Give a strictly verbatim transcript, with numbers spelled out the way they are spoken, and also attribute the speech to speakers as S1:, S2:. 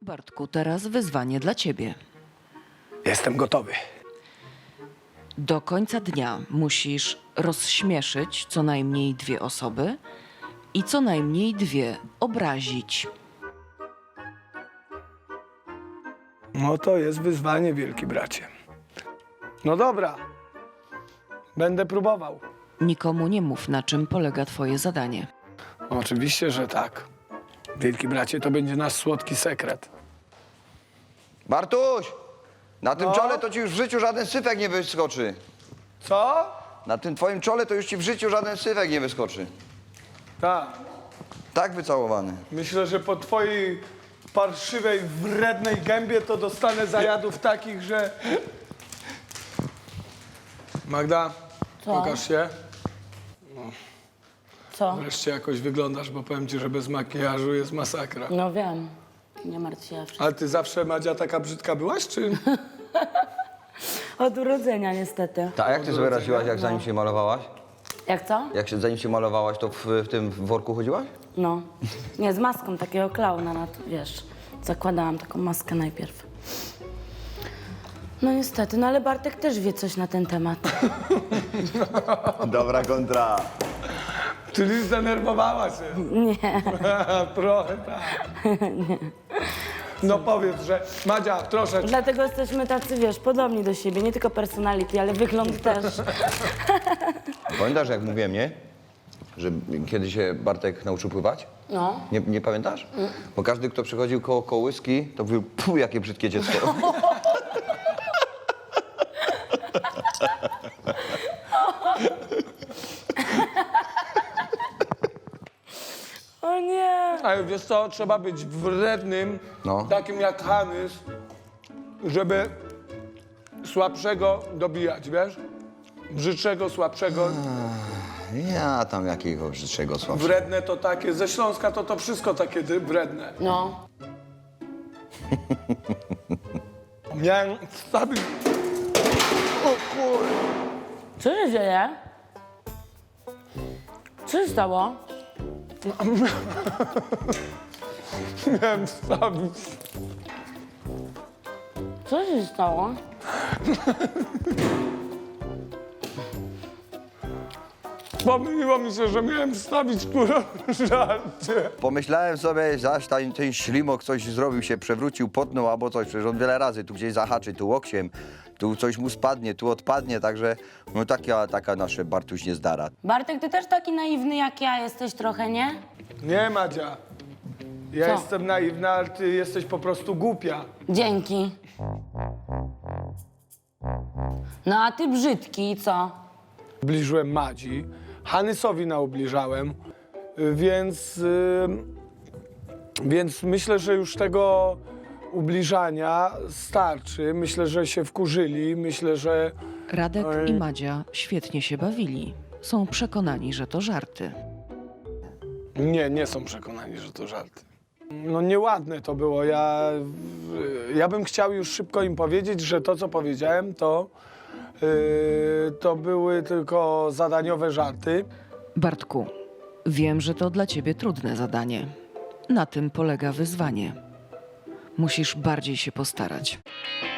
S1: Bartku, teraz wyzwanie dla ciebie.
S2: Jestem gotowy.
S1: Do końca dnia musisz rozśmieszyć co najmniej dwie osoby i co najmniej dwie obrazić.
S2: No to jest wyzwanie, wielki bracie. No dobra. Będę próbował.
S1: Nikomu nie mów, na czym polega twoje zadanie.
S2: Oczywiście, że tak. Wielki bracie, to będzie nasz słodki sekret.
S3: Bartuś! Na tym
S2: No?
S3: czole to ci już w życiu żaden syfek nie wyskoczy.
S2: Co?
S3: Na tym twoim czole to już ci w życiu żaden syfek nie wyskoczy.
S2: Tak.
S3: Tak wycałowany.
S2: Myślę, że po twojej parszywej, wrednej gębie to dostanę zajadów takich, że... Magda,
S4: Co?
S2: pokaż się.
S4: Co?
S2: Wreszcie jakoś wyglądasz, bo powiem ci, że bez makijażu jest masakra.
S4: No wiem. Nie martw się.
S2: Ale ty zawsze, Madzia, taka brzydka byłaś, czy...
S4: Od urodzenia niestety.
S3: Tak, a jak ty sobie radziłaś, jak zanim się malowałaś?
S4: Jak co?
S3: Jak się, zanim się malowałaś, to w, w tym worku chodziłaś?
S4: No. Nie, z maską takiego klauna na to, wiesz. Zakładałam taką maskę najpierw. No niestety, no ale Bartek też wie coś na ten temat.
S3: Dobra kontra.
S2: Czyli zdenerwowała się.
S4: Nie.
S2: Trochę tak. No powiedz, że Madzia, troszeczkę.
S4: Dlatego jesteśmy tacy, wiesz, podobni do siebie. Nie tylko personality, ale wygląd też.
S3: Pamiętasz, jak mówiłem, nie? Że kiedy się Bartek nauczył pływać?
S4: No.
S3: Nie, nie pamiętasz? Bo każdy, kto przychodził koło kołyski, to mówił, puh, jakie brzydkie dziecko.
S4: O nie.
S2: Ale wiesz co, trzeba być wrednym,
S3: No.
S2: takim jak Hanys, żeby słabszego dobijać, wiesz? Brzydszego, słabszego.
S3: Ja tam jakiego brzydszego słabszego.
S2: Wredne to takie, ze Śląska to to wszystko takie dy- wredne.
S4: No.
S2: Miałem wstawić... O kur...
S4: Co się dzieje? Co się stało?
S2: Miałem wstawić...
S4: Co się stało?
S2: Pomyliło mi się, że miałem wstawić kurwa żarcie.
S3: Pomyślałem sobie, zaś ten, ten ślimok coś zrobił, się przewrócił, potnął albo coś. Przecież on wiele razy tu gdzieś zahaczy, tu łokciem, tu coś mu spadnie, tu odpadnie, także no taka, taka nasze Bartuś niezdara.
S4: Bartek, ty też taki naiwny jak ja jesteś trochę, nie?
S2: Nie, Madzia. Ja
S4: Co?
S2: jestem naiwna, ale ty jesteś po prostu głupia.
S4: Dzięki. No a ty brzydki i co?
S2: Ubliżyłem Madzi, Hanysowi naubliżałem, y, więc, y, więc myślę, że już tego ubliżania starczy. Myślę, że się wkurzyli, myślę, że...
S1: Radek
S2: Oj.
S1: i Madzia świetnie się bawili. Są przekonani, że to żarty.
S2: Nie, nie są przekonani, że to żarty. No nieładne to było. Ja, ja bym chciał już szybko im powiedzieć, że to, co powiedziałem, to, y, to były tylko zadaniowe żarty.
S1: Bartku, wiem, że to dla ciebie trudne zadanie. Na tym polega wyzwanie. Musisz bardziej się postarać.